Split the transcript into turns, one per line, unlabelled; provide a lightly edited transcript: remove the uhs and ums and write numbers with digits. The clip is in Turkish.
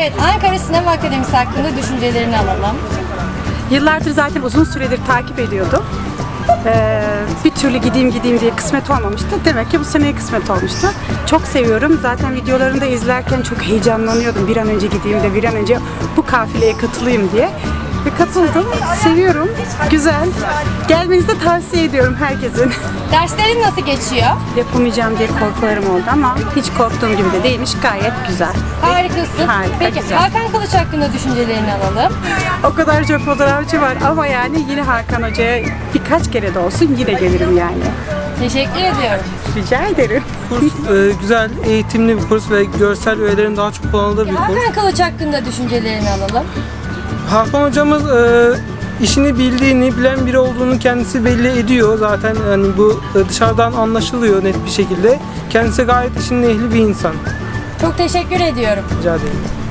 Evet, Ankara Sinema Akademisi hakkında düşüncelerini alalım.
Yıllardır zaten uzun süredir takip ediyordum. Bir türlü gideyim diye kısmet olmamıştı. Demek ki bu seneye kısmet olmuştu. Çok seviyorum. Zaten videolarını da izlerken çok heyecanlanıyordum. Bir an önce gideyim de bir an önce bu kafileye katılayım diye. Ve katıldım. Seviyorum. Güzel. Gelmenizi de tavsiye ediyorum herkesin.
Derslerin nasıl geçiyor?
Yapamayacağım diye korkularım oldu ama hiç korktuğum gibi de değilmiş. Gayet güzel.
Harikasın.
Harika,
Peki
güzel.
Hakan Kılıç hakkında düşüncelerini alalım.
O kadar çok fotoğrafçı var ama yani yine Hakan Hoca'ya birkaç kere de olsun yine gelirim yani.
Teşekkür ediyorum.
Rica ederim.
Kurs güzel, eğitimli bir kurs ve görsel öğelerin daha çok kullanıldığı bir kurs.
Hakan Kılıç hakkında düşüncelerini alalım.
Hakan hocamız işini bildiğini, bilen biri olduğunu kendisi belli ediyor. Zaten hani bu dışarıdan anlaşılıyor net bir şekilde. Kendisi gayet işinin ehli bir insan.
Çok teşekkür ediyorum.
Rica ederim.